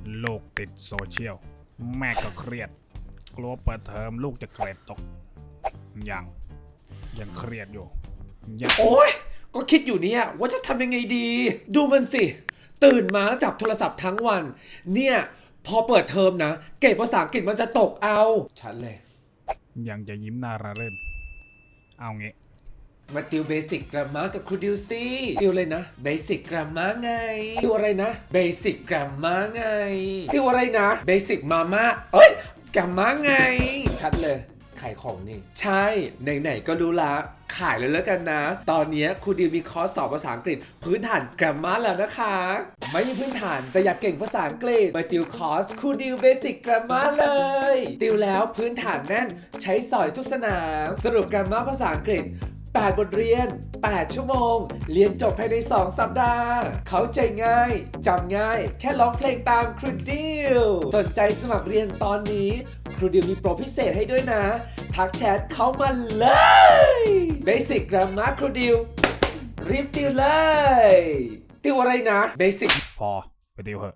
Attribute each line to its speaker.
Speaker 1: ลูกติดโซเชียลแม่ก็เครียดกลัวเปิดเทอมลูกจะเกรดตกยังเครียดอยู่ยัง
Speaker 2: โอ๊ยก็คิดอยู่เนี่ยว่าจะทำยังไงดี ดูมันสิ ตื่นมาจับโทรศัพท์ทั้งวัน เนี่ยพอเปิดเทอมนะ เกรดภาษาอังกฤษมันจะตกเอาชัดเลย
Speaker 1: ยังจะยิ้มหน้าระรื่นเอางี้
Speaker 2: มาติวเบสิกกราฟมากับครูดิวซี่ติวเลยนะเบสิกกราฟมาไงติวอะไรนะเบสิกกราฟมาไงติวอะไรนะเบสิกมาม่าเอ้ยกราฟมาไงชัดเลยขายของนี่ใช่ไหนๆก็รู้ละขายเลยแล้วกันนะ ตอนนี้ครูดิวมีคอร์สสอนภาษาอังกฤษพื้นฐานกราฟมาแล้วนะคะ ไม่มีพื้นฐานแต่อยากเก่งภาษาอังกฤษมาติวคอร์สครูดิวเบสิกกราฟมาเลยติวแล้วพื้นฐานแน่นใช้สอยทุกสนามสรุปกราฟมาภาษาอังกฤษ8 บทเรียน 8 ชั่วโมง เรียนจบภายใน 2 สัปดาห์ เข้าใจง่าย จำง่าย แค่ร้องเพลงตามครูดิว สนใจสมัครเรียนตอนนี้ ครูดิวมีโปรพิเศษให้ด้วยนะ ทักแชทเข้ามาเลย Basic Grammar ครูดิว รีบติวเลย ติวอะไรนะ Basic
Speaker 1: พอไปติวเหอะ